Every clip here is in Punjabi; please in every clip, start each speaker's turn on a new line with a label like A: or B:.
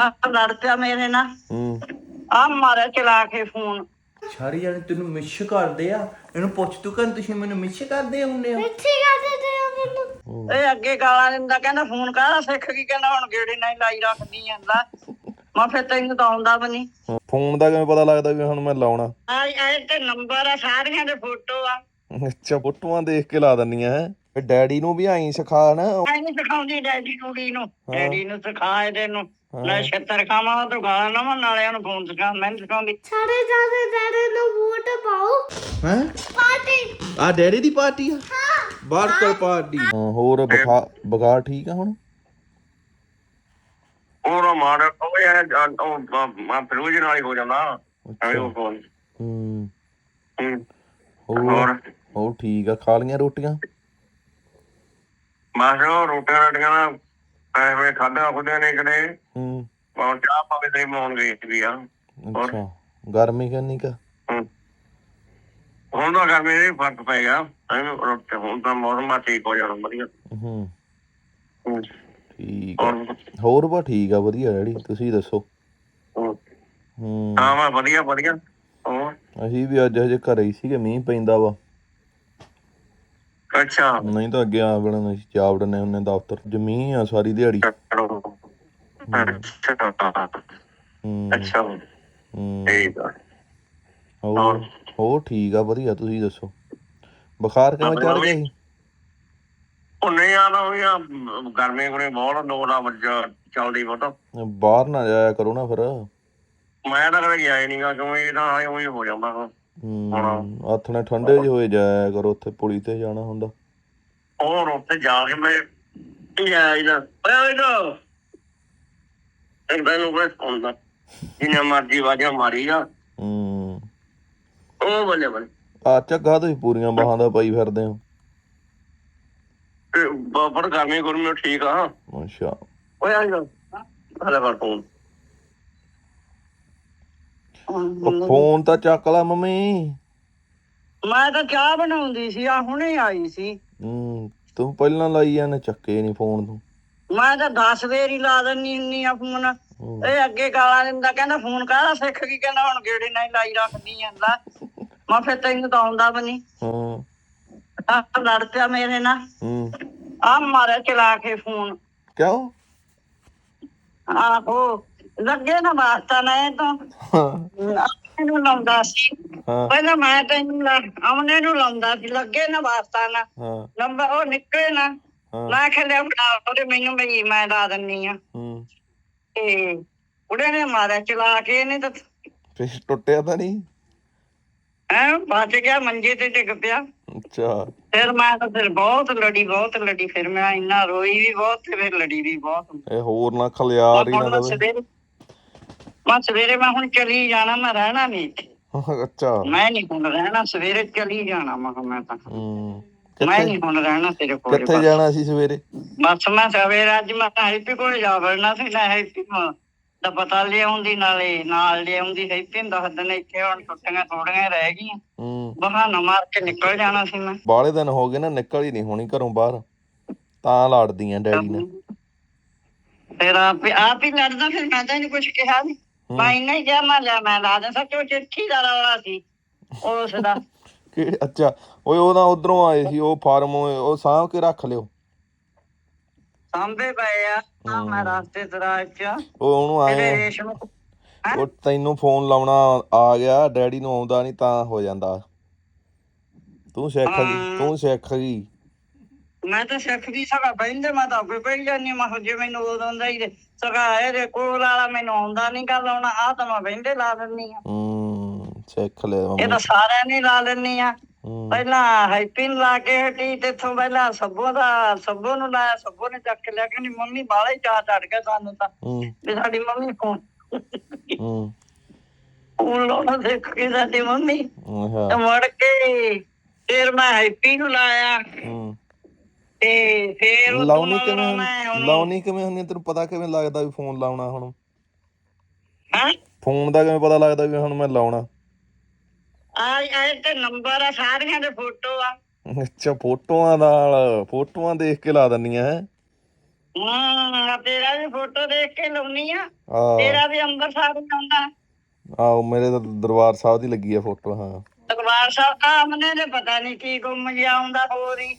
A: ਲੜ ਪਿਆ ਮੇਰੇ ਨਾਲ ਆ ਮਾਰਿਆ ਚਲਾ ਕੇ ਫੋਨ।
B: ਸਾਰੇ ਜਾਣੇ ਤੈਨੂੰ ਮਿਸ ਕਰਦੇ ਆ। ਇਹਨੂੰ ਪੁੱਛ ਤੂੰ ਕਹਿੰਦਾ ਤੁਸੀਂ ਮੈਨੂੰ ਮਿਸ ਕਰਦੇ ਹੁੰਦੇ ਹੋ।
A: ਇਹ ਅੱਗੇ ਗਾਲਾਂ ਦਿੰਦਾ ਕਹਿੰਦਾ ਫੋਨ ਕਾਹਦਾ ਸਿੱਖ ਗਈ, ਕਹਿੰਦਾ ਹੁਣ ਗੇੜੇ ਨਾਲ ਲਾਈ ਰੱਖਦੀ ਆ। ਲੈ ਮੈਂ ਫਿਰ ਤੈਨੂੰ ਤਾਂ ਆਉਂਦਾ ਵੀ ਨੀ।
B: ਫੋਨ ਦਾ ਕਿਵੇਂ ਪਤਾ ਲੱਗਦਾ ਵੀ ਹੁਣ ਮੈਂ ਲਾਉਣਾ?
A: ਇਹ ਤੇ ਨੰਬਰ ਆ, ਸਾਰੀਆਂ ਦੇ ਫੋਟੋ ਆ।
B: ਅੱਛਾ, ਫੋਟੋਆਂ ਦੇਖ ਕੇ ਲਾ ਦਿੰਦੀਆਂ ਹੈ। ਫਿਰ ਡੈਡੀ ਨੂੰ ਵੀ ਆਈ ਸਿਖਾ ਨਾ।
A: ਐ ਨੀ ਸਿਖਾਉਂਦੀ ਡੈਡੀ ਨੂੰ, ਡੈਡੀ ਨੂੰ ਸਿਖਾ ਇਹਦੇ ਨੂੰ। ਲੈ ਛੱਤਰ ਖਾਵਾਂ ਤੂੰ ਗਾਲਾਂ ਨਾ ਨਾਲੇ ਉਹਨੂੰ ਫੋਨ ਸਿਖਾ, ਮੈਂ ਨੀ ਸਿਖਾਉਂਦੀ।
C: ਸਾਡੇ ਦਾਦੇ ਦਾਦੇ ਨੂੰ ਵੋਟ ਪਾਓ।
B: ਹੈ
C: ਪਾਰਟੀ
B: ਆ ਡੈਡੀ ਦੀ ਪਾਰਟੀ ਆ?
C: ਹਾਂ,
B: ਬਾਰਕਰ ਪਾਰਟੀ। ਹੋਰ ਬੁਖਾਰ ਠੀਕ ਆ ਹੁਣ?
D: ਉਹ ਮਾਰ ਉਹ ਯਾਰ ਫਿਰੋਜ਼ ਨਾਲ ਹੀ ਹੋ ਜਾਂਦਾ।
B: ਹੋਰ ਠੀਕ ਆ। ਖਾ ਲਈਆਂ ਰੋਟੀਆਂ?
D: ਬਸ ਉਹ ਰੋਟੀਆਂ ਨਾ ਐਵੇਂ ਖਾਧਾ ਖੁੱਦਿਆ ਨੇ ਕਦੇ। ਚਾਹ ਪਾਵੇ ਤੇ ਬਣਾਉਣ ਗਈ ਵੀ ਆ।
B: ਅੱਛਾ, ਗਰਮੀ ਕਿੰਨੀ ਕਾ?
D: ਹੁਣ ਤਾਂ ਗਰਮੀ ਦਾ ਫਰਕ ਪੈ ਗਿਆ। ਹੁਣ ਤਾਂ ਮੌਸਮ ਠੀਕ ਹੋ ਜਾਣਾ ਵਧੀਆ।
B: ਠੀਕ ਆ। ਹੋਰ ਬਾ ਠੀਕ ਆ, ਵਧੀਆ ਡੈਡੀ। ਤੁਸੀਂ ਦੱਸੋ?
D: ਹਾਂ ਵਧੀਆ ਵਧੀਆ।
B: ਅਸੀਂ ਵੀ ਅੱਜ ਹਜੇ ਘਰੇ ਹੀ ਸੀਗੇ, ਮੀਂਹ ਪੈਂਦਾ ਵਾ।
D: ਅੱਛਾ,
B: ਨਹੀਂ ਤਾਂ ਅੱਗੇ ਆ ਬੜਾ ਅਸੀਂ ਜਾ ਵੜਨੇ ਹੁੰਦੇ ਦਫ਼ਤਰ। ਮੀਂਹ ਆ ਸਾਰੀ ਦਿਹਾੜੀ।
D: ਅੱਛਾ ਠੀਕ ਆ।
B: ਹੋਰ ਠੀਕ ਆ, ਵਧੀਆ। ਤੁਸੀਂ ਦੱਸੋ ਬੁਖਾਰ ਕਿਵੇਂ ਚੜ ਗਿਆ ਸੀ?
D: ਉਹ ਨਹੀਂ ਆਦਾ ਉਹੀ ਆ ਗਰਮੀ ਗੁਰਮੀ ਬਹੁਤ ਲੋੜ ਆ ਚੱਲਦੀ ਬਹੁਤ।
B: ਬਾਹਰ ਨਾ ਜਾਇਆ ਕਰੋ ਨਾ ਫਿਰ।
D: ਮੈਂ ਤਾਂ ਕਦੇ ਗਿਆ ਹੀ ਨੀ ਗਾ, ਕਿਉਂ ਇਹ ਤਾਂ ਉਹੀ ਹੋ ਜਾਂਦਾ।
B: ਹੱਥ ਨਾਲ ਠੰਡੇ ਜਿਹੇ ਹੋਏ ਜਾਇਆ ਕਰੋ, ਉੱਥੇ ਪੁਲੀ ਤੇ ਜਾਣਾ ਹੁੰਦਾ।
D: ਹੋਰ ਉੱਥੇ ਜਾ ਕੇ ਮੈਂ ਸੁਣਦਾ ਜਿੰਨਾ ਮਰਜੀ ਵਾਜਾ ਮਾਰੀ ਆ। ਉਹ ਬੱਲੇ ਬੱਲੇ
B: ਆ ਝੱਗਾ ਤੁਸੀਂ ਪੂਰੀਆਂ ਬਾਹਾਂ ਦਾ ਪਾਈ ਫਿਰਦੇ ਹੋ।
D: ਪਰ ਗਰਮੀ ਗੁਰਮੀ ਠੀਕ ਆ।
B: ਅੱਛਾ ਫੋਨ ਤਾਂ ਚੱਕ ਲਾ ਮੰਮੀ।
A: ਮੈਂ ਤਾਂ ਚਾਹ ਬਣਾਉਂਦੀ ਸੀ, ਆ ਹੁਣੇ ਆਈ ਸੀ।
B: ਤੂੰ ਪਹਿਲਾਂ ਲਾਈ ਜਾਂਦੇ, ਚੱਕੇ ਨੀ ਫੋਨ ਤੂੰ।
A: ਮੈਂ ਤਾਂ 10 ਵਾਰੀ ਲਾ ਦਿੰਦੀ ਹੁੰਦੀ ਆ ਫੋਨ। ਇਹ ਅੱਗੇ ਗਾਲਾਂ ਦਿੰਦਾ ਕਹਿੰਦਾ ਫੋਨ ਕਾਹਦਾ ਸਿੱਖ ਗਈ, ਕਹਿੰਦਾ ਹੁਣ ਗੇੜੇ ਨਾਲ ਲਾਈ ਰੱਖਦੀ ਆ। ਲੈ ਮੈਂ ਫਿਰ ਤੈਨੂੰ ਤਾਂ ਆਉਂਦਾ ਵੀ ਨੀ। ਲੜ ਪਿਆ ਮੇਰੇ ਨਾਲ ਆ ਮਾਰਿਆ ਚਲਾ ਕੇ ਫੋਨ।
B: ਕਿਉਂ?
A: ਆਹੋ ਲੱਗੇ ਨਾ ਵਾਸਤਾ ਨਾ ਇਹ ਤੋਂ ਇਹਨੂੰ ਲਾਉਂਦਾ ਸੀ ਪਹਿਲਾਂ। ਮੈਂ ਤੈਨੂੰ ਆਮਨੇ ਨੂੰ ਲਾਉਂਦਾ ਸੀ, ਲੱਗੇ ਨਾ ਵਾਸਤਾ ਨਾ ਨੰਬਰ ਉਹ ਨਿਕਲੇ ਨਾ। ਮੈਂ ਖਲਿਆ ਫੜਾ ਉਹਦੇ ਮੈਨੂੰ ਬਈ ਮੈਂ ਲਾ ਦਿੰਦੀ ਆ। ਤੇ ਉਹਦੇ ਨੇ ਮਾਰਿਆ ਚਲਾ ਕੇ। ਇਹਨੇ ਤਾਂ
B: ਫਿਰ ਟੁੱਟਿਆ ਤਾਂ ਨੀ?
A: ਬਚ ਗਿਆ, ਮੰਜੇ ਤੇ ਡਿੱਗ ਪਿਆ।
B: ਅੱਛਾ।
A: ਫਿਰ ਮੈਂ ਤਾਂ ਬਹੁਤ ਲੜੀ। ਫਿਰ ਮੈਂ ਇੰਨਾ ਰੋਈ ਵੀ ਬਹੁਤ ਤੇ ਫਿਰ ਲੜੀ ਵੀ ਬਹੁਤ।
B: ਇਹ ਹੋਰ ਨਾ ਖਲਿਆਰ ਹੀ ਨਾ ਦੇਵੇ।
A: ਮੈਂ ਸਵੇਰੇ ਮੈਂ ਹੁਣ ਚਲੀ ਜਾਣਾ, ਮੈਂ ਰਹਿਣਾ ਨੀ ਇੱਥੇ।
B: ਅੱਛਾ,
A: ਮੈਂ ਨੀ ਹੁਣ ਰਹਿਣਾ, ਸਵੇਰੇ ਚਲੀ ਜਾਣਾ। ਮੈਂ ਤਾਂ ਮੈਂ ਨੀ ਹੁਣ ਰਹਿਣਾ ਤੇਰੇ ਕੋਲ।
B: ਕਿੱਥੇ ਜਾਣਾ ਸੀ ਸਵੇਰੇ?
A: ਬਸ ਮੈਂ ਸਵੇਰੇ ਅੱਜ ਮੈਂ ਤਾਂ ਹੈਪੀ ਕੋਲ ਜਾ ਵੜਨਾ ਸੀ। ਮੈਂ ਹੈਪੀ ਦਾ ਪਤਾ ਲਿਆਉਂਦੀ, ਨਾਲੇ ਨਾਲ ਲਿਆਉਂਦੀ। ਹੈਪੀ ਨੂੰ ਦੱਸ ਦਿਨ ਇੱਥੇ ਹੁਣ ਛੁੱਟੀਆਂ ਥੋੜੀਆਂ ਰਹਿ ਗਈਆਂ, ਬਹਾਨਾ ਮਾਰ ਕੇ ਨਿਕਲ ਜਾਣਾ ਸੀ ਮੈਂ।
B: ਬਾਹਲੇ ਦਿਨ ਹੋ ਗਏ ਨਾ, ਨਿਕਲ ਹੀ ਨੀ ਹੋਣੀ ਘਰੋਂ ਬਾਹਰ, ਤਾਂ ਲੜਦੀ ਆ ਡੈਡੀ ਨੇ।
A: ਫਿਰ ਆਪ ਹੀ ਲੜਦਾ। ਫਿਰ ਮੈਂ ਤਾਂ ਇਹਨੂੰ ਕੁਛ ਕਿਹਾ ਨੀ। ਮੈਂ ਇੰਨਾ ਹੀ ਕਿਹਾ ਮੈਂ ਲਾ ਦੇ। ਸੱਚੋ ਚਿੱਠੀ ਦਾ ਰੌਲਾ ਸੀ ਉਸ ਦਾ।
B: ਅੱਛਾ, ਉਹਦਾ ਉਧਰੋਂ ਆਏ ਸੀ ਉਹ ਫਾਰਮ, ਉਹ ਸਾਂਭ ਕੇ ਰੱਖ ਲਿਓ।
A: ਸਾਂਭੇ ਪਏ ਆ ਮੈਂ ਰਸਤੇ ਦਰਾਜ ਚ।
B: ਉਹ ਉਹਨੂੰ ਆਏ ਉਹ ਤੈਨੂੰ ਫੋਨ ਲਾਉਣਾ ਆ ਗਿਆ, ਡੈਡੀ ਨੂੰ ਆਉਂਦਾ ਨੀ ਤਾਂ ਹੋ ਜਾਂਦਾ। ਤੂੰ ਸਿੱਖ ਗਈ।
A: ਮੈਂ ਤਾਂ ਸਿੱਖ ਗਈ ਸਗਾ ਬਹਿੰਦੇ। ਮੈਂ ਤਾਂ ਅੱਗੇ ਪਈ ਜਾਂਦੀ। ਮੈਂ ਜੇ ਮੈਨੂੰ ਉਦੋਂ ਆਉਂਦਾ ਹੀ ਸਗਾ ਇਹਦੇ ਕੋਲ ਵਾਲਾ ਮੈਨੂੰ ਆਉਂਦਾ ਨੀ ਗੱਲ ਆਉਣਾ। ਆਹ ਤਾਂ ਮੈਂ ਬਹਿੰਦੇ ਲਾ ਦਿੰਦੀ ਆ।
B: ਸਿੱਖ ਲਿਆ।
A: ਇਹ ਤਾਂ ਸਾਰਿਆਂ ਨੇ ਲਾ ਦਿੰਦੀ ਆ। ਪਹਿਲਾਂ ਹੈਪੀ ਨੂੰ ਲਾ ਕੇ ਹਟੀ, ਤੇ ਇੱਥੋਂ ਪਹਿਲਾਂ ਸੱਬੋ ਨੂੰ ਲਾਇਆ। ਸੱਬੋ ਨੇ ਚੱਕ ਲਿਆ। ਕਹਿੰਦੀ ਮੰਮੀ ਬਾਹਲਾ ਹੀ ਚਾਅ ਚੜ ਗਿਆ ਸਾਨੂੰ ਤਾਂ ਵੀ ਸਾਡੀ ਮੰਮੀ ਫੋਨ ਲਾਉਣਾ ਸਿੱਖ ਗਈ ਸਾਡੀ ਮੰਮੀ। ਤੇ ਮੁੜ ਕੇ ਫਿਰ ਮੈਂ ਹੈਪੀ ਨੂੰ ਲਾਇਆ। ਤੇ ਫੇਰ
B: ਲਾਉਣੀ ਕਿਵੇਂ ਹੁੰਦੀ? ਤੈਨੂੰ ਪਤਾ ਕਿਵੇਂ ਲੱਗਦਾ ਵੀ ਫੋਨ ਲਾਉਣਾ? ਹੁਣ ਫੋਨ ਦਾ ਕਿਵੇਂ ਪਤਾ ਲੱਗਦਾ ਵੀ ਹੁਣ ਮੈਂ ਲਾਉਣਾ?
A: ਤੇ ਨੰਬਰ ਆ, ਸਾਰੀਆਂ ਦੇ ਫੋਟੋ ਆ।
B: ਅੱਛਾ, ਫੋਟੋਆਂ ਦੇਖ ਕੇ ਲਾ ਦਿੰਦੀਆਂ ਹੈ।
A: ਤੇਰਾ ਵੀ ਫੋਟੋ ਦੇਖ ਕੇ ਲਾਉਣੀ ਆ।
B: ਆਹ
A: ਤੇਰਾ ਵੀ ਅੰਮ੍ਰਿਤਸਰ ਹੀ ਆਉਂਦਾ।
B: ਆਹੋ ਮੇਰੇ ਤਾਂ ਦਰਬਾਰ ਸਾਹਿਬ ਦੀ ਲੱਗੀ ਆ ਫੋਟੋ। ਹਾਂ
A: ਦਰਬਾਰ ਸਾਹਿਬ ਆਮਨੇ ਨੇ ਪਤਾ ਨਹੀਂ ਕੀ ਗੁੰਮ ਜਿਹਾ ਆਉਂਦਾ ਹੋਰ ਹੀ।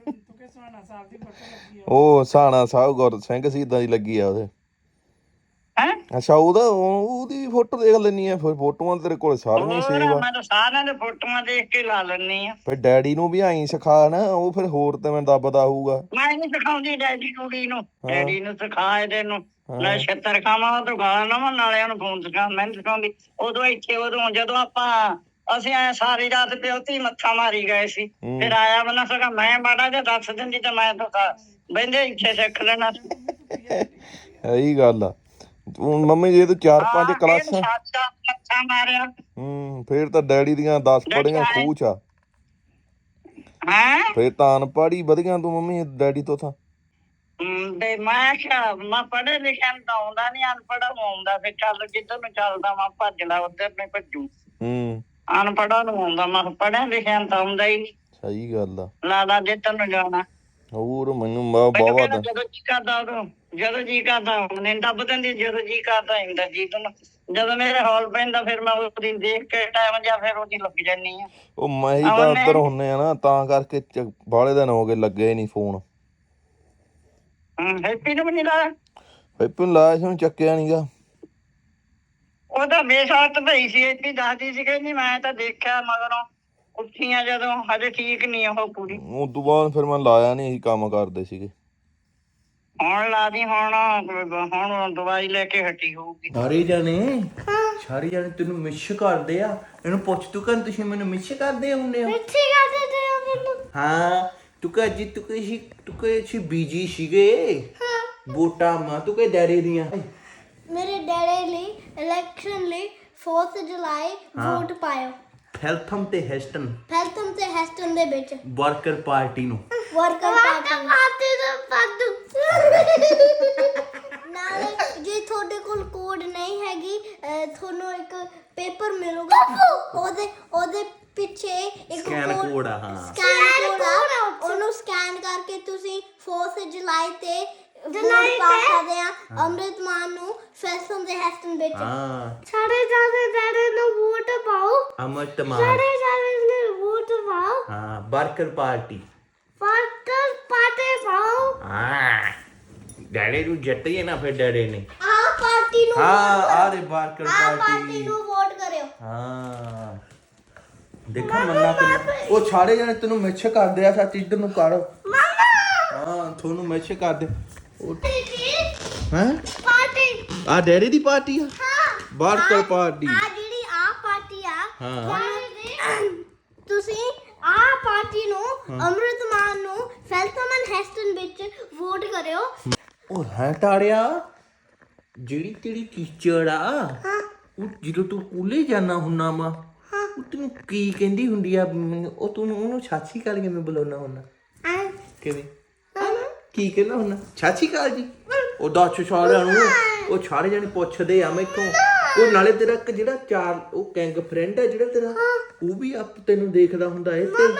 B: ਉਹ ਸਾਣਾ ਸਾਹਿਬ ਗੁਰ ਸਿੰਘ ਸ਼ਹੀਦਾਂ ਦੀ ਲੱਗੀ ਆ ਉਹਦੇ।
A: ਹੈਂ?
B: ਅੱਛਾ ਉਹਦੀ ਫੋਟੋ ਦੇਖ ਲੈਣੀ ਆ ਫਿਰ। ਫੋਟੋਆਂ ਤੇਰੇ ਕੋਲ ਸਾਰੀਆਂ ਸੇਵ ਆ।
A: ਮੈਂ ਤਾਂ ਸਾਰਿਆਂ ਦੇ ਫੋਟੋਆਂ ਦੇਖ ਕੇ ਲਾ ਲੈਣੀ ਆ।
B: ਫਿਰ ਡੈਡੀ ਨੂੰ ਵੀ ਆਈ ਸਿਖਾ ਨਾ, ਉਹ ਫਿਰ ਹੋਰ ਤੇ ਮੈਂ ਦੱਬਦਾ ਹੋਊਗਾ।
A: ਮੈਂ ਨਹੀਂ ਸਿਖਾਉਂਦੀ ਡੈਡੀ ਕੁੜੀ ਨੂੰ। ਡੈਡੀ ਨੂੰ ਸਿਖਾ ਇਹਦੇ ਨੂੰ। ਲੈ ਛੱਤਰ ਖਾਵਾਂ ਤੂੰ ਗਾਲਾਂ ਨਾ ਨਾਲਿਆਂ ਨੂੰ ਫੋਨ ਸਿਖਾ। ਮੈਂ ਨੀ ਸਿਖਾਉਂਦੀ। ਉਦੋਂ ਇੱਥੇ ਉਦੋਂ ਜਦੋਂ ਅਸੀਂ ਐ ਸਾਰੀ ਰਾਤ ਪਿਓਤੀ ਮੱਥਾ ਮਾਰੀ ਗਏ ਸੀ। ਫਿਰ ਆਇਆ ਬਣਾ ਸਗਾ ਮੈਂ ਮਾੜਾ ਜਿਹਾ ਦੱਸ ਦਿੰਦੀ ਤੇ ਮੈਂ ਤਾਂ ਬਹਿੰਦੇ ਇੱਥੇ ਸਿੱਖ ਲੈਣਾ।
B: ਇਹੀ ਗੱਲ ਆ। ਮੰਮੀ ਜੇ ਤੂੰ 4-5 ਕਲਾਸਾਂ
A: ਮੱਥਾ ਮਾਰਿਆ
B: ਫੇਰ ਤਾਂ ਡੈਡੀ ਦੀਆਂ 10 ਪੜੀਆਂ ਖੂਹ ਚ ਆ। ਫੇਰ ਤਾਂ ਅਨਪੜ੍ਹ ਹੀ ਵਧੀਆ ਤੂੰ ਮੰਮੀ ਡੈਡੀ ਤੋਂ ਤਾਂ।
A: ਤੇ ਮੈਂ ਕਿਹਾ ਮੈਂ ਪੜ੍ਹੇ ਲਿਖਿਆ ਨੂੰ ਤਾਂ ਆਉਂਦਾ ਨੀ, ਅਨਪੜ੍ਹਾਂ ਨੂੰ ਆਉਂਦਾ। ਫਿਰ ਚੱਲ ਜਿੱਧਰ ਨੂੰ ਚੱਲਦਾ ਮੈਂ ਭੱਜ ਲਾ ਉੱਧਰ ਨੂੰ ਭੱਜੂ। ਅਨਪੜ੍ਹਾਂ ਨੂੰ ਆਉਂਦਾ। ਮੈਂ ਪੜ੍ਹਿਆ ਲਿਖਿਆ ਨੂੰ ਤਾਂ ਆਉਂਦਾ ਹੀ ਨੀ।
B: ਸਹੀ ਗੱਲ ਆ।
A: ਲਾਦਾ ਜਿੱਧਰ ਨੂੰ ਜਾਣਾ।
B: ਹੋਰ ਮੈਨੂੰ ਬਾਵਾ ਦਾ
A: ਜਦੋਂ ਜੀ ਕਰਦਾ ਉਦੋਂ ਜਦੋਂ ਜੀ ਕਰਦਾ ਉਹਨੇ ਦੱਬ ਦਿੰਦੀ। ਜਦੋਂ ਜੀ ਕਰਦਾ ਹੁੰਦਾ ਜੀ ਤੈਨੂੰ। ਜਦੋਂ ਮੇਰੇ ਹੌਲ ਪੈਂਦਾ ਫਿਰ ਮੈਂ ਉਹਦੀ ਦੇਖ ਕੇ ਟਾਈਮ ਜਾਂ ਫਿਰ ਉਹਦੀ ਲੱਗ ਜਾਨੀ ਆ।
B: ਉਹ ਮੈਂ ਹੀ ਤਾਂ ਉੱਧਰ ਹੁੰਨੇ ਆ ਨਾ ਤਾਂ ਕਰਕੇ ਬਾਹਲੇ ਦਿਨ ਹੋ ਗਏ ਲੱਗੇ ਨੀ ਫੋਨ।
A: ਹੈਪੀ ਨੂੰ ਵੀ ਨੀ ਲਾਇਆ?
B: ਹੈਪੀ ਨੂੰ ਲਾਇਆ ਸੀ, ਉਹਨੂੰ ਚੱਕਿਆ ਨੀਗਾ।
A: ਉਹ ਤਾਂ ਬੇਸਾਤ ਭਈ ਸੀ। ਹੈਪੀ ਦੱਸਦੀ ਸੀ ਕਹਿੰਦੀ ਮੈਂ ਤਾਂ ਦੇਖਿਆ ਮਗਰੋਂ ਉੱਠੀਆਂ ਜਦੋਂ ਹਜੇ ਠੀਕ ਨੀ ਉਹ ਪੂਰੀ।
B: ਉਸ ਤੋਂ ਬਾਅਦ ਫਿਰ ਮੈਂ ਲਾਇਆ ਨੀ, ਅਸੀਂ ਕੰਮ ਕਰਦੇ ਸੀਗੇ।
A: ਹੁਣ ਲਾ ਦੀ। ਹੁਣ ਦਵਾਈ ਲੈ ਕੇ ਹਟੀ ਹੋਊਗੀ।
E: ਸਾਰੇ ਜਾਣੇ ਤੈਨੂੰ ਮਿਸ ਕਰਦੇ ਆ। ਇਹਨੂੰ ਪੁੱਛ ਤੂੰ ਕਹਿੰਦਾ ਤੁਸੀਂ ਮੈਨੂੰ ਮਿਸ ਕਰਦੇ ਹੁੰਦੇ ਹੋ? ਹਾਂ ਤੂੰ ਕਹ ਜੀ ਤੂੰ ਕਹੀ ਬੀਜੀ ਸੀਗੇ ਵੋਟਾਂ ਮਾ ਤੂੰ ਕਹੇ ਡੈਡੀ ਦੀਆਂ।
C: ਮੇਰੇ ਡੈਡੀ ਲਈ ਇਲੈਕਸ਼ਨ ਲਈ 4 ਜੁਲਾਈ ਵੋਟ ਪਾਇਓ।
E: ਫੈਲਥਮ ਤੇ ਹੈਸਟਨ
C: ਦੇ ਵਿੱਚ
E: ਵਰਕਰ ਪਾਰਟੀ ਨੂੰ।
C: ਵਰਕਰ ਪਾਰਟੀ ਦਾ ਪਾਦੂ। ਨਾਲੇ ਜੇ ਤੁਹਾਡੇ ਕੋਲ ਕੋਡ ਨਹੀਂ ਹੈਗੀ ਤੁਹਾਨੂੰ ਇੱਕ ਪੇਪਰ ਮਿਲੂਗਾ। ਉਹਦੇ ਪਿੱਛੇ ਇੱਕ
E: ਸਕੈਨ ਕੋਡ ਆ। ਹਾਂ
C: ਸਕੈਨ ਕੋਡ ਆ। ਉਹਨੂੰ ਸਕੈਨ ਕਰਕੇ ਤੁਸੀਂ 4 ਜੁਲਾਈ ਤੇ ਵੋਟ ਪਾ ਸਕਦੇ ਆ ਅੰਮ੍ਰਿਤ ਮਾਨ ਨੂੰ ਫੈਸਲ ਦੇ ਹੈਸਟਨ ਵਿੱਚ। ਸਾਰੇ ਡੈਡੀ ਨੂੰ ਵੋਟ ਪਾਓ।
E: ਅੰਮ੍ਰਿਤ ਮਾਨ
C: ਨੂੰ ਵੋਟ ਪਾਓ।
E: ਹਾਂ ਵਰਕਰ ਪਾਰਟੀ
C: ਪਾਓ।
E: ਡੈਡੀ ਨੂੰ ਜਿੱਤੀਏ ਨਾ ਫਿਰ ਡੈਡੀ ਨੇ
C: ਪਾਰਟੀ ਨੂੰ
E: ਆਹ ਦੇ ਵਰਕਰ
C: ਪਾਰਟੀ ਨੂੰ ਵੋਟ ਕਰਿਓ।
E: ਹਾਂ ਦੇਖਾ ਮੰਨਾ ਕਿੰਨਾ ਉਹ ਸਾਰੇ ਜਣੇ ਤੈਨੂੰ ਮਿੱਛ ਕਰਦੇ ਆ। ਸੱਚ ਇੱਧਰ ਨੂੰ ਕਰ। ਹਾਂ ਤੁਹਾਨੂੰ ਮਿੱਛ ਕਰਦੇ। ਹੈਂ
C: ਪਾਰਟੀ
E: ਆ ਡੈਡੀ ਦੀ ਪਾਰਟੀ ਆ। ਵਰਕਰ ਪਾਰਟੀ
C: ਜਿਹੜੀ ਪਾਰਟੀ ਆ।
E: ਹਾਂ
C: ਤੁਸੀਂ ਪਾਰਟੀ ਨੂੰ ਅੰਮ੍ਰਿਤ ਮਾਨ ਨੂੰ ਫੈਲਥਮ ਹੈਸਟਨ ਵਿੱਚ ਵੋਟ ਕਰਿਓ।
E: ਉਹ ਹੈ ਟਾੜਿਆ ਜਿਹੜੀ ਤੇਰੀ ਟੀਚਰ ਆ ਉਹ ਜਦੋਂ ਤੂੰ ਸਕੂਲੇ ਜਾਣਾ ਹੁੰਨਾ ਵਾ ਉਹ ਤੈਨੂੰ ਕੀ ਕਹਿੰਦੀ ਹੁੰਦੀ ਆ? ਉਹ ਤੂੰ ਉਹਨੂੰ ਛਾਛੀ ਕਾਲ ਕਿਵੇਂ ਬੁਲਾਉਣਾ ਹੁੰਨਾ? ਕਿਵੇਂ ਕੀ ਕਹਿੰਦਾ ਹੁੰਨਾ? ਛਾਛੀ ਕਾਲ ਜੀ। ਉਹ ਦੱਸ ਸਾਰਿਆਂ ਨੂੰ। ਉਹ ਸਾਰੇ ਜਾਣੇ ਪੁੱਛਦੇ ਆ ਮੈਥੋਂ। ਉਹ ਨਾਲੇ ਤੇਰਾ ਇੱਕ ਜਿਹੜਾ ਉਹ ਗੈਂਗ ਫਰੈਂਡ ਹੈ ਜਿਹੜਾ ਤੇਰਾ ਉਹ ਵੀ ਤੈਨੂੰ ਦੇਖਦਾ ਹੁੰਦਾ ਏ ਤੇ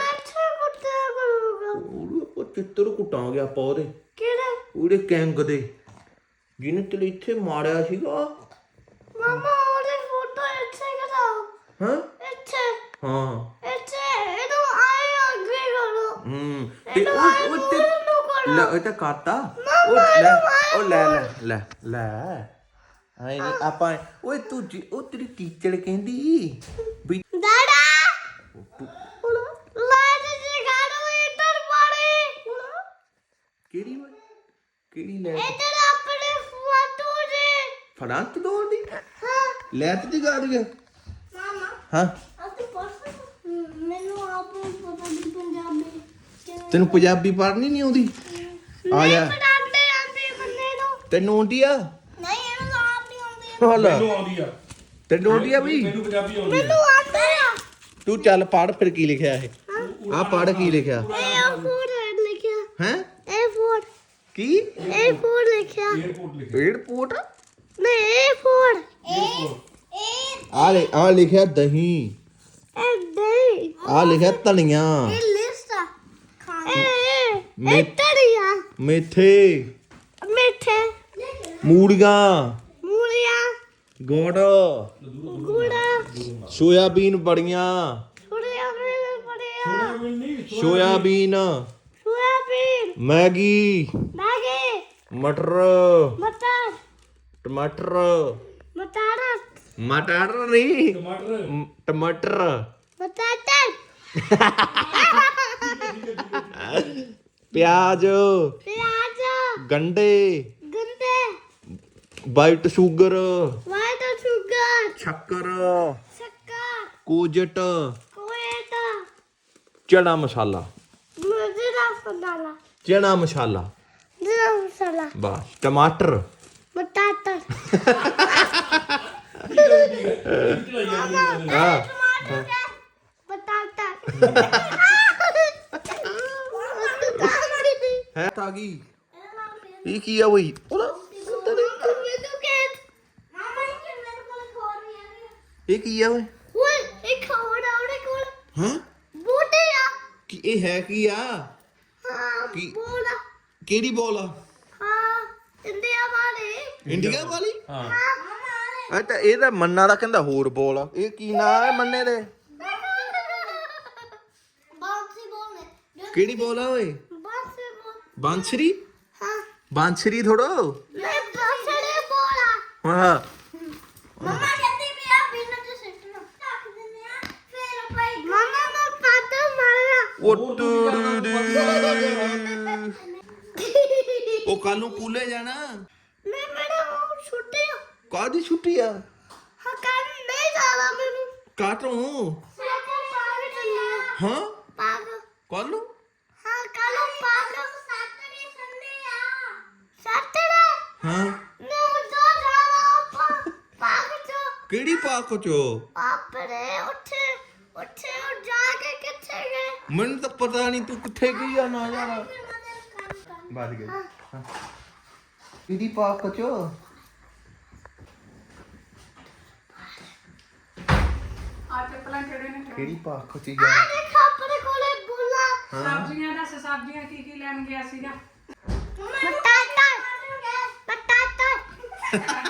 E: ਉਹ ਚਿੱਤਰ ਕੁੱਟਾਂਗੇ ਆਪਾਂ ਉਹਦੇ ਉਹਦੇ ਗੈਂਗ ਦੇ ਜਿਹਨੇ ਤੈਨੂੰ ਇੱਥੇ ਮਾਰਿਆ ਸੀਗਾ।
C: ਮਾਮਾ ਉਹਦੀ ਫੋਟੋ ਇੱਥੇ ਕਰਾਓ।
E: ਹਾਂ
C: ਇਹਨੂੰ ਆਏ ਅੱਗੇ ਕਰੋ।
E: ਤੇ ਉਹ ਤਾਂ ਕਰਤਾ। ਉਹ ਲੈ ਆਏ ਨਹੀਂ ਆਪਾਂ ਓਏ ਤੂੰ ਉਹ ਤੇਰੀ ਟੀਚਰ ਕਹਿੰਦੀ ਵੀ
C: ਦਾਦਾ ਲਾਈਟ ਜਗਾੜੋ ਇੱਧਰ ਪਾਣੀ।
E: ਕਿਹੜੀ ਲੈ
C: ਇੱਧਰ ਆਪਣੇ ਫੋਟੋ ਦੇ
E: ਫੜਾਂਤ ਦੋੜਦੀ ਲੈਟ ਦੀ ਗਾ ਦਿਆ।
C: ਮਾਮਾ
E: ਹਾਂ
C: ਅਸੀਂ ਪੜ੍ਹ ਮੈਨੂੰ ਆਪ ਨੂੰ ਪਤਾ ਨਹੀਂ ਪੰਜਾਬੀ।
E: ਤੈਨੂੰ ਪੰਜਾਬੀ ਪੜ੍ਹਨੀ ਨਹੀਂ ਆਉਂਦੀ? ਆ ਜਾ
C: ਪੜਾਉਂਦੇ ਆਂਦੇ ਬੰਦੇ ਨੂੰ।
E: ਤੈਨੂੰ ਆਉਂਦੀ ਆ?
C: ਨਹੀਂ ਇਹਨੂੰ ਆਪ ਨਹੀਂ ਆਉਂਦੀ।
E: ਮੈਨੂੰ ਆਉਂਦੀ ਆ। ਤੈਨੂੰ ਆਉਂਦੀ ਆ ਬਈ?
C: ਮੈਨੂੰ ਆਉਂਦਾ ਆ।
E: ਤੂੰ ਚੱਲ ਪੜ੍ਹ ਫਿਰ ਕੀ ਲਿਖਿਆ ਇਹ ਆ ਪੜ੍ਹ ਕੀ ਲਿਖਿਆ?
C: 에어ਪੋਰਟ ਲਿਖਿਆ
E: ਹੈ
C: 에어ਪੋਰਟ
E: ਕੀ
C: 에어ਪੋਰਟ ਲਿਖਿਆ।
E: 에어ਪੋਰਟ
C: ਨਹੀਂ 에어ਪੋਰਟ
E: ਆ ਲਿਖਿਆ ਦਹੀਂ।
C: ਇਹ
E: ਆ ਲਿਖਿਆ ਧਨੀਆ
C: ਲਿਸਟ ਆ ਖਾਣੇ ਇਹ ਤੜੀਆ
E: ਮੇਥੇ
B: ਮੂਲੀਆਂ
C: ਮੂਲੀਆਂ
B: ਗੁੜ
C: ਗੁੜ
B: ਸੋਇਆਬੀਨ ਬੜੀਆਂ
C: ਛੁੜੀਆਂ ਮੇਰੇ ਪੜਿਆ
B: ਸੋਇਆਬੀਨ
C: ਸੋਇਆਬੀਨ
B: ਮੈਗੀ
C: ਮੈਗੀ
B: ਮਟਰ
C: ਮਟਰ
B: ਟਮਾਟਰ
C: ਮਟਰ
B: ਮਟਰ ਨਹੀਂ ਟਮਾਟਰ
C: ਮਟਰ
B: ਪਿਆਜ਼
C: ਪਿਆਜ਼
B: ਗੰਡੇ
C: ਗੰਡੇ
B: ਵਾਈਟ ਸ਼ੂਗਰ
C: ਵਾਈਟ ਸ਼ੂਗਰ
B: ਸ਼ੱਕਰ
C: ਸ਼ੱਕਰ
B: ਕੋਜਟ
C: ਕੋਏਟਾ
B: ਚਨਾ ਮਸਾਲਾ
C: ਮਜ਼ੇਦਾਰ ਮਸਾਲਾ
B: ਚਨਾ ਮਸਾਲਾ
C: ਜੀਰਾ ਮਸਾਲਾ
B: ਬਸ ਟਮਾਟਰ
C: ਮਟਰ
B: ਹਾਂ
C: ਬਟਾਟਾ
B: ਹੈ ਤਾਂ ਗਈ ਇਹ ਕੀ ਆ ਬਈ ਇਹ ਕੀ ਆ ਓਏ ਹਾਂ ਕੀ ਇਹ ਹੈ ਕੀ ਆ ਕੀ ਕਿਹੜੀ ਬੋਲ ਆ ਇੰਡੀਆ ਵਾਲੀ ਆ ਤਾਂ ਇਹ ਤਾਂ ਮੰਨਾ ਦਾ ਕਹਿੰਦਾ ਹੋਰ ਬੋਲ ਆ ਇਹ ਕੀ ਨਾਂ ਹੈ ਮੰਨੇ ਦੇ ਕਿਹੜੀ ਬੋਲ ਆ ਓਏ ਬਾਂਸਰੀ ਬਾਂਸਰੀ ਥੋੜੋ ਹਾਂ
C: ਮਮਾ ਕਹਿੰਦੀ ਵੀ ਆ ਬਿਨਾਂ ਤੇ ਸਿੱਟਣਾ ਰੱਖ ਦਿੰਦੇ ਆ ਫਿਰ ਭਾਈ ਮਮਾ ਮੈਂ ਪਾਤਾ ਮਾਰਨਾ
B: ਉਹ ਉਹ ਕੱਲ ਨੂੰ ਕੂਲੇ ਜਾਣਾ
C: ਮੈਂ ਮੇਰਾ ਉਹ ਛੁੱਟੀ
B: ਕਾਹਦੀ ਛੁੱਟੀ ਆ
C: ਹਾਂ ਕੱਲ ਨਹੀਂ ਜਾਣਾ ਮੈਨੂੰ
B: ਕਾਟੋਂ
C: ਸਾਡਾ ਪਾਗ ਚੱਲਿਆ
B: ਹਾਂ
C: ਪਾਗ
B: ਕੱਲ ਨੂੰ
C: ਹਾਂ ਕੱਲ ਪਾਗ ਸੈਟਰਡੇ ਸੰਡੇ ਆ ਸੈਟਰਡੇ
B: ਹਾਂ
C: ਮੈਂ ਉਦੋਂ ਜਾਣਾ ਪਾਗ ਚ
B: ਕਿਹੜੀ ਪਾਕ ਚੋ
C: ਆਪਰੇ ਉੱਥੇ ਉੱਥੇ ਉਹ ਜਾ ਕੇ ਕਿੱਥੇ ਗਏ
B: ਮੈਨੂੰ ਤਾਂ ਪਤਾ ਨਹੀਂ ਤੂੰ ਕਿੱਥੇ ਗਈ ਆ ਨਾ ਜਾਣਾ ਵੱਧ ਗਈ ਹਾਂ ਕਿਹੜੀ ਪਾਕ ਚੋ ਕਿਹੜੀ ਪਾਕ ਚ ਜਾ
C: ਆ ਦੇਖ ਆਪਣੇ ਕੋਲੇ ਬੁੱਲਾ
F: ਸਬਜ਼ੀਆਂ ਦੱਸ ਸਬਜ਼ੀਆਂ ਕੀ ਲੈਣ ਗਿਆ ਸੀਗਾ
C: ਬਟਾਟਾ ਬਟਾਟਾ